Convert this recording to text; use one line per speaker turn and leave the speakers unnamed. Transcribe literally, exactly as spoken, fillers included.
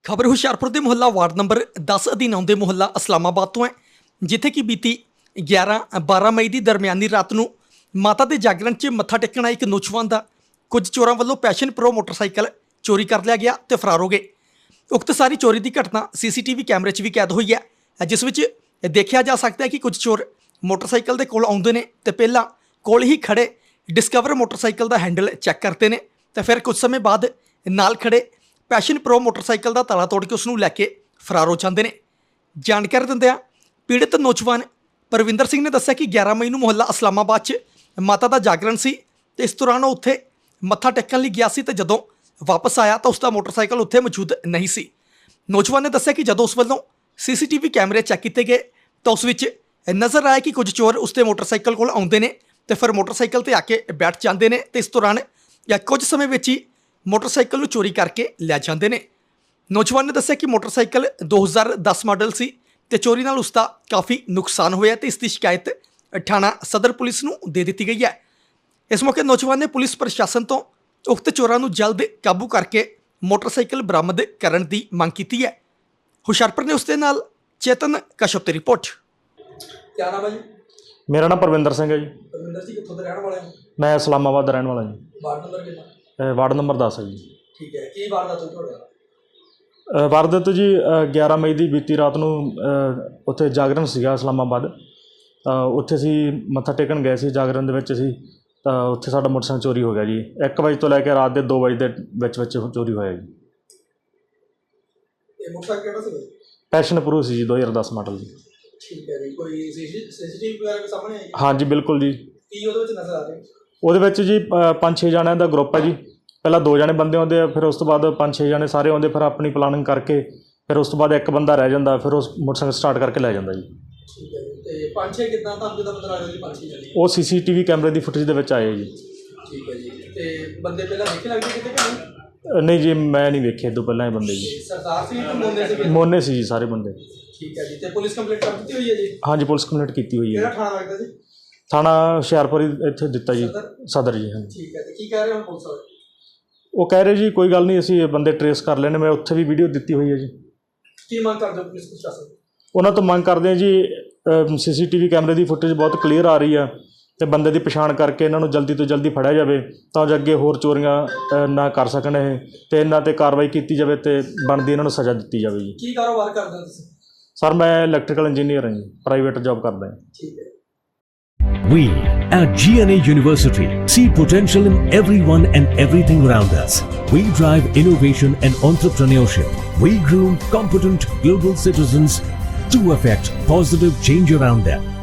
ਖਬਰ ਹੁਸ਼ਿਆਰਪੁਰ ਦੇ ਮੁਹੱਲਾ ਵਾਰਡ ਨੰਬਰ ਦਸ ਅਧੀਨ ਆਉਂਦੇ ਮੁਹੱਲਾ ਇਸਲਾਮਾਬਾਦ ਤੋਂ ਹੈ, ਜਿੱਥੇ ਕਿ ਬੀਤੀ ਗਿਆਰਾਂ ਬਾਰਾਂ ਮਈ ਦੀ ਦਰਮਿਆਨੀ ਰਾਤ ਨੂੰ ਮਾਤਾ ਦੇ ਜਾਗਰਣ 'ਚ ਮੱਥਾ ਟੇਕਣ ਆਏ ਇੱਕ ਨੌਜਵਾਨ ਦਾ ਕੁਝ ਚੋਰਾਂ ਵੱਲੋਂ ਪੈਸ਼ਨ ਪ੍ਰੋ ਮੋਟਰਸਾਈਕਲ ਚੋਰੀ ਕਰ ਲਿਆ ਗਿਆ ਤੇ ਫਰਾਰ ਹੋ ਗਏ। ਉਕਤ ਸਾਰੀ ਚੋਰੀ ਦੀ ਘਟਨਾ ਸੀਸੀਟੀਵੀ ਕੈਮਰੇ 'ਚ ਵੀ ਕੈਦ ਹੋਈ ਹੈ, ਜਿਸ ਵਿੱਚ ਦੇਖਿਆ ਜਾ ਸਕਦਾ ਹੈ ਕਿ ਕੁਝ ਚੋਰ ਮੋਟਰਸਾਈਕਲ ਦੇ ਕੋਲ ਆਉਂਦੇ ਨੇ ਤੇ ਪਹਿਲਾਂ ਕੋਲ ਹੀ ਖੜੇ ਡਿਸਕਵਰ ਮੋਟਰਸਾਈਕਲ ਦਾ ਹੈਂਡਲ ਚੈੱਕ ਕਰਦੇ ਨੇ ਤੇ ਫਿਰ ਕੁਝ ਸਮੇਂ ਬਾਅਦ ਨਾਲ ਖੜੇ ਪੈਸ਼ਨ ਪ੍ਰੋ ਮੋਟਰਸਾਈਕਲ ਦਾ ਤਾਲਾ ਤੋੜ ਕੇ ਉਸ ਨੂੰ ਲੈ ਕੇ ਫਰਾਰ ਹੋ ਜਾਂਦੇ ਨੇ। ਜਾਣਕਾਰੀ ਦਿੰਦਿਆਂ ਪੀੜਤ ਨੌਜਵਾਨ ਪਰਵਿੰਦਰ ਸਿੰਘ ਨੇ ਦੱਸਿਆ ਕਿ ਗਿਆਰਾਂ ਮਈ ਨੂੰ ਮੁਹੱਲਾ ਇਸਲਾਮਾਬਾਦ 'ਚ ਮਾਤਾ ਦਾ ਜਾਗਰਣ ਸੀ ਤੇ ਇਸ ਦੌਰਾਨ ਉਹ ਉੱਥੇ ਮੱਥਾ ਟੇਕਣ ਲਈ ਗਿਆ ਸੀ ਤੇ ਜਦੋਂ ਵਾਪਸ ਆਇਆ ਤਾਂ ਉਸ ਦਾ ਮੋਟਰਸਾਈਕਲ ਉੱਥੇ ਮੌਜੂਦ ਨਹੀਂ ਸੀ। ਨੌਜਵਾਨ ਨੇ ਦੱਸਿਆ ਕਿ ਜਦੋਂ ਉਸ ਵੱਲੋਂ ਸੀਸੀਟੀਵੀ ਕੈਮਰੇ ਚੈੱਕ ਕੀਤੇ ਗਏ ਤਾਂ ਉਸ ਵਿੱਚ ਨਜ਼ਰ ਆਇਆ ਕਿ ਕੁਝ ਚੋਰ ਉਸ ਦੇ ਮੋਟਰਸਾਈਕਲ ਕੋਲ ਆਉਂਦੇ ਨੇ ਤੇ ਫਿਰ ਮੋਟਰਸਾਈਕਲ ਤੇ ਆ ਕੇ ਬੈਠ ਜਾਂਦੇ ਨੇ ਤੇ ਇਸ ਦੌਰਾਨ ਜਾਂ ਕੁਝ ਸਮੇਂ ਵਿੱਚ ਹੀ ਮੋਟਰਸਾਈਕਲ ਨੂੰ ਚੋਰੀ ਕਰਕੇ ਲੈ ਜਾਂਦੇ ਨੇ। ਨੌਜਵਾਨ ਨੇ ਦੱਸਿਆ ਕਿ ਮੋਟਰਸਾਈਕਲ ਦੋ ਹਜ਼ਾਰ ਦਸ ਮਾਡਲ ਸੀ ਤੇ ਚੋਰੀ ਨਾਲ ਉਸ ਦਾ ਕਾਫੀ ਨੁਕਸਾਨ ਹੋਇਆ ਤੇ ਇਸ ਦੀ ਸ਼ਿਕਾਇਤ ਥਾਣਾ ਸਦਰ ਪੁਲਿਸ ਨੂੰ ਦੇ ਦਿੱਤੀ ਗਈ ਹੈ। ਇਸ ਮੌਕੇ ਨੌਜਵਾਨ ਨੇ ਪੁਲਿਸ ਪ੍ਰਸ਼ਾਸਨ ਤੋਂ ਉਕਤ ਚੋਰਾਂ ਨੂੰ ਜਲਦ ਕਾਬੂ ਕਰਕੇ ਮੋਟਰਸਾਈਕਲ ਬਰਾਮਦ ਕਰਨ ਦੀ ਮੰਗ ਕੀਤੀ ਹੈ। ਹੁਸ਼ਿਆਰਪੁਰ ਨੇ ਉਸ ਦੇ ਨਾਲ ਚੇਤਨ ਕਸ਼ਪ ਦੀ ਰਿਪੋਰਟ।
क्या नाम है जी?
मेरा नाम परविंदर सिंह है जी।
परविंदर जी कितों के रहने वाले हैं?
मैं इस्लामाबाद का रहने वाला जी।
वार्ड नंबर कितना?
अ, वार्ड नंबर दस है जी।
ठीक है, की वारदात होई ਤੁਹਾਡੇ ਨਾਲ?
अ, वारदात जी ਗਿਆਰਾਂ ਮਈ ਦੀ ਬੀਤੀ ਰਾਤ ਨੂੰ ਅ, ਉੱਥੇ ਜਾਗਰਣ ਸੀਗਾ ਇਸਲਾਮਾਬਾਦ। ਤਾਂ ਉੱਥੇ ਅਸੀਂ ਮੱਥਾ ਟੇਕਣ ਗਏ ਸੀ, ਜਾਗਰਣ ਦੇ ਵਿੱਚ ਅਸੀਂ ਤਾਂ ਉੱਥੇ ਸਾਡਾ ਮੋਟਰਸਾਈਕਲ ਚੋਰੀ ਹੋ ਗਿਆ ਜੀ। ਇੱਕ ਵਜੇ ਤੋਂ ਲੈ ਕੇ ਰਾਤ ਦੇ ਦੋ ਵਜੇ ਦੇ ਵਿੱਚ ਵਿੱਚ ਚੋਰੀ ਹੋਇਆ ਜੀ।
ਇਹ ਮੋਟਰਸਾਈਕਲ ਕਿਹੜਾ ਸੀ?
ਪੈਸ਼ਨ ਪ੍ਰੋ ਸੀ ਜੀ, ਦੋ ਹਜ਼ਾਰ ਦਸ ਮਾਡਲ ਜੀ।
ਠੀਕ ਹੈ ਜੀ, ਕੋਈ ਸੀਸੀਟੀਵੀ ਵਗੈਰਾ ਵੀ ਸਾਹਮਣੇ ਆਈ?
ਹਾਂਜੀ ਬਿਲਕੁਲ ਜੀ।
ਕੀ ਉਹਦੇ ਵਿੱਚ ਨਜ਼ਰ ਆ ਰਿਹਾ?
ਉਹਦੇ ਵਿੱਚ ਜੀ ਅ, ਪੰਜ ਛੇ ਜਣਿਆਂ ਦਾ ਗਰੁੱਪ ਹੈ ਜੀ। ਪਹਿਲਾਂ ਦੋ ਜਣੇ ਬੰਦੇ ਆਉਂਦੇ ਆ, ਫਿਰ ਉਸ ਤੋਂ ਬਾਅਦ ਪੰਜ ਛੇ ਜਣੇ ਸਾਰੇ ਆਉਂਦੇ, ਫਿਰ ਆਪਣੀ ਪਲਾਨਿੰਗ ਕਰਕੇ ਫਿਰ ਉਸ ਤੋਂ ਬਾਅਦ ਇੱਕ ਬੰਦਾ ਰਹਿ ਜਾਂਦਾ, ਫਿਰ ਉਸ ਮੋਟਰਸਾਈਕਲ ਸਟਾਰਟ ਕਰਕੇ ਲੈ ਜਾਂਦਾ ਜੀ।
ਠੀਕ ਹੈ ਜੀ, ਤੇ ਪੰਜ ਛੇ ਕਿੱਦਾਂ ਤੁਹਾਨੂੰ ਕਿੱਦਾਂ ਪਤਾ ਲੱਗ ਰਿਹਾ ਜੀ ਪੰਜ ਛੇ ਜਣੇ?
ਉਹ ਸੀਸੀਟੀਵੀ ਕੈਮਰੇ ਦੀ ਫੁਟੇਜ ਦੇ ਵਿੱਚ ਆਏ ਜੀ।
ਠੀਕ ਹੈ ਜੀ, ਤੇ ਬੰਦੇ ਪਹਿਲਾਂ ਦੇਖੇ ਲੱਗਦੇ ਕਿਤੇ ਕਿ ਨਹੀਂ?
ਅ, ਨਹੀਂ ਜੀ, ਮੈਂ ਨਹੀਂ ਵੇਖੇ ਇਹ ਤੋਂ ਪਹਿਲਾਂ ਇਹ ਬੰਦੇ ਜੀ।
ਸਰਦਾਰ ਸੀ ਤੇ ਮੋਨੇ ਸੀ?
ਮੋਨੇ ਸੀ ਜੀ ਸਾਰੇ ਬੰਦੇ।
ਠੀਕ ਹੈ ਜੀ, ਤੇ ਪੁਲਿਸ ਕੰਪਲੇਂਟ ਕਰ ਦਿੱਤੀ ਹੋਈ ਹੈ ਜੀ?
ਹਾਂਜੀ ਪੁਲਿਸ ਕੰਪਲੇਂਟ ਕੀਤੀ ਹੋਈ
ਕਿਹੜਾ
ਹੈ।
ਥਾਣਾ ਲੱਗਦਾ ਜੀ?
ਥਾਣਾ ਹੁਸ਼ਿਆਰਪੁਰ ਹੀ ਇੱਥੇ ਦਿੱਤਾ ਜੀ,
ਸਦਰ?
ਸਦਰ ਜੀ। ਹਾਂਜੀ
ਠੀਕ ਹੈ, ਤੇ ਕੀ ਕਹਿ ਰਹੇ ਹੋ ਪੁਲਿਸ ਵਾਲੇ?
ਉਹ ਕਹਿ ਰਹੇ ਜੀ ਕੋਈ ਗੱਲ ਨਹੀਂ, ਅਸੀਂ ਇਹ ਬੰਦੇ ਟਰੇਸ ਕਰ ਲੈਣੇ। ਮੈਂ ਉੱਥੇ ਵੀ ਵੀਡੀਓ ਦਿੱਤੀ ਹੋਈ ਹੈ ਜੀ।
ਕੀ ਮੰਗ ਕਰਦੇ ਹੋ ਪੁਲਿਸ ਪ੍ਰਸ਼ਾਸਨ?
ਉਹਨਾਂ ਤੋਂ ਮੰਗ ਕਰਦੇ ਹਾਂ ਜੀ, ਸੀਸੀਟੀਵੀ ਕੈਮਰੇ ਦੀ ਫੁਟੇਜ ਬਹੁਤ ਕਲੀਅਰ ਆ ਰਹੀ ਆ ਤੇ ਬੰਦੇ ਦੀ ਪਛਾਣ ਕਰਕੇ ਇਹਨਾਂ ਨੂੰ ਜਲਦੀ ਤੋਂ ਜਲਦੀ ਫੜਿਆ ਜਾਵੇ ਤਾਂ ਜੋ ਅੱਗੇ ਹੋਰ ਚੋਰੀਆਂ ਅ, ਨਾ ਕਰ ਸਕਣ ਇਹ, ਤੇ ਇਹਨਾਂ 'ਤੇ ਕਾਰਵਾਈ ਕੀਤੀ ਜਾਵੇ ਤੇ ਬਣਦੀ ਇਹਨਾਂ ਨੂੰ ਸਜ਼ਾ ਦਿੱਤੀ ਜਾਵੇ ਜੀ।
ਕੀ ਕਾਰੋਬਾਰ ਕਰਦੇ ਹੋ ਤੁਸੀਂ?
ਸਰ ਮੈਂ ਇਲੈਕਟ੍ਰੀਕਲ ਇੰਜੀਨੀਅਰ ਹਾਂ ਜੀ, ਪ੍ਰਾਈਵੇਟ ਜੌਬ ਕਰਦਾ ਹਾਂ।
ਠੀਕ ਹੈ।
We at G N A University see potential in everyone and everything around us. We drive innovation and entrepreneurship. We groom competent global citizens to affect positive change around them.